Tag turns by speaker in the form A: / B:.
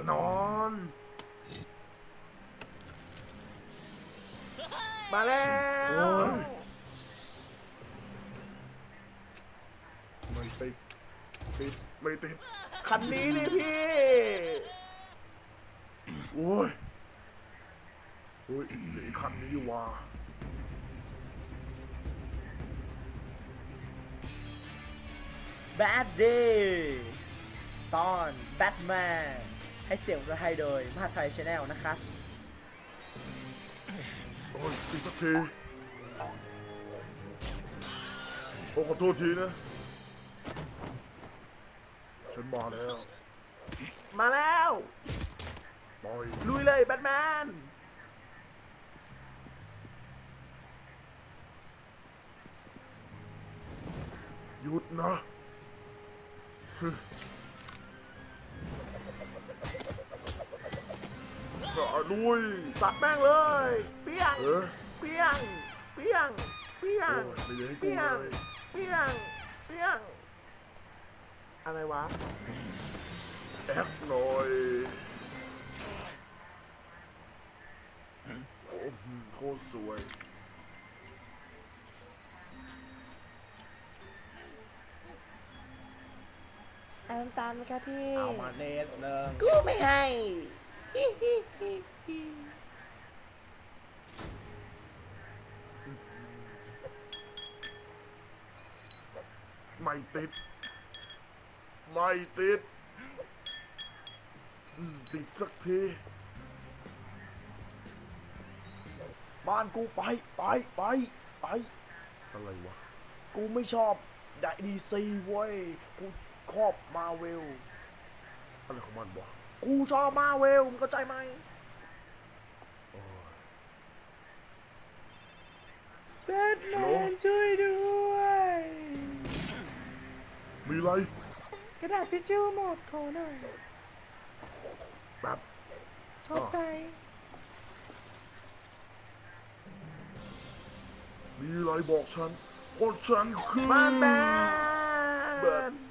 A: นอน
B: มาแล้
A: โอ้
B: วย
A: ไม่ติดไม่ติด
B: คันนี้นี่พี่
A: โอ้ยเฮ้ยเหลืออีกคันนี้อยู่ว่ะ
B: แบดดี้ตอนแบทแมนให้เสียงภาษาไทยโดยมหาไทยชาแนลนะครับ
A: โอ้ยติดสักทีโอ้ขอโทษทีนะฉันมาแล้ว
B: มาแล้ว
A: ปล่อย
B: ลุยเลยแบทแมน
A: หยุดนะข้าด้วย
B: สัตว์แม่งเลยเปี้ยง
A: เออ
B: เปี้ยงเปี้ยงเปี้ยง
A: โอ้ยไม่อยากให้กู
B: เปี้ย
A: เล
B: ง
A: ย
B: เปี้ยงเปี้ยงอะไรวะ
A: แอคหน่อยโอ้โคตรสวย
C: เอาน้ำตาลไหมคะพี่
B: เอามาเนสหนึ่ง
C: กูไม่ให้
A: ไม่ติดไม่ติดติดสักที
B: บ้านกูไป
A: อะไรวะ
B: กูไม่ชอบดีซีเว้ยกูชอบมาเวล
A: อะไรของมันวะ
B: กูชอบมาเวลมึงเข้าใจไหม
A: โอ้ย
C: แบทแมนช่วยด้วย
A: มีอะไร
C: กระดาษทิชชู่หมดขอหน่อย
A: แบบ
C: ขอบใจ
A: มีอะไรบอกฉันเพราะฉันคือ
B: มาแบ
A: แบท
B: น